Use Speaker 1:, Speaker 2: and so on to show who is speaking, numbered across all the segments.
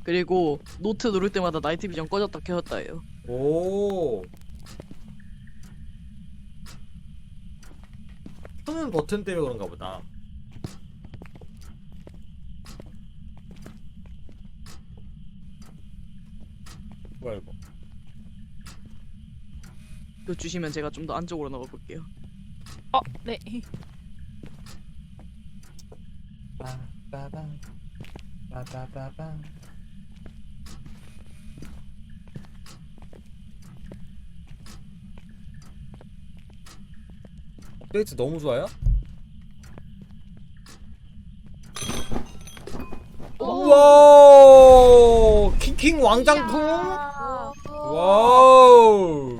Speaker 1: 그리고 노트 누를 때마다 나이트 비전 꺼졌다 켜졌다 해요.
Speaker 2: 오. 켜는 버튼 때문에 그런가 보다. 뭐야 이거?
Speaker 1: 이거 주시면 제가 좀 더 안쪽으로 넣어볼게요.
Speaker 3: 네.
Speaker 2: 빠바밤 빠바바밤. 데이트 너무 좋아요? 우와! 킹킹 왕장풍? 와우!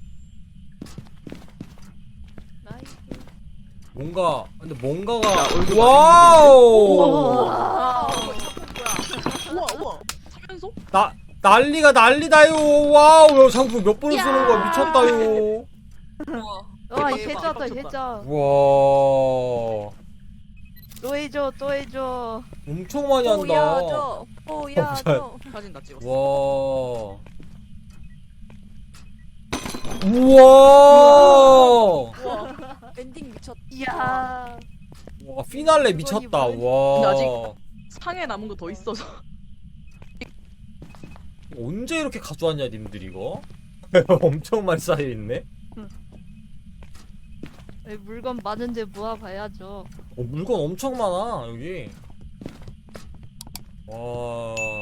Speaker 3: 나이스.
Speaker 2: 뭔가 근데 뭔가가 와우!
Speaker 3: 와.
Speaker 1: 우와 우와 사면서?
Speaker 2: 난리가 난리다요. 와우! 야, 상품 몇 번을 쓰는 거야? 미쳤다요.
Speaker 3: 와,
Speaker 1: 대박,
Speaker 3: 해자다
Speaker 1: 대박
Speaker 3: 해자.
Speaker 2: 와.
Speaker 3: 또 해줘, 또 해줘.
Speaker 2: 엄청 많이 한다.
Speaker 3: 보여줘.
Speaker 1: 사진 다 찍었어.
Speaker 2: 와. 우와.
Speaker 4: 엔딩 미쳤.
Speaker 3: 이야.
Speaker 2: 와, 피날레 미쳤다. 와.
Speaker 1: 근데 아직 상에 남은 거 더 있어서.
Speaker 2: 언제 이렇게 가져왔냐, 님들 이거? 엄청 많이 쌓여 있네.
Speaker 3: 물건 많은데 모아봐야죠.
Speaker 2: 물건 엄청 많아 여기. 와.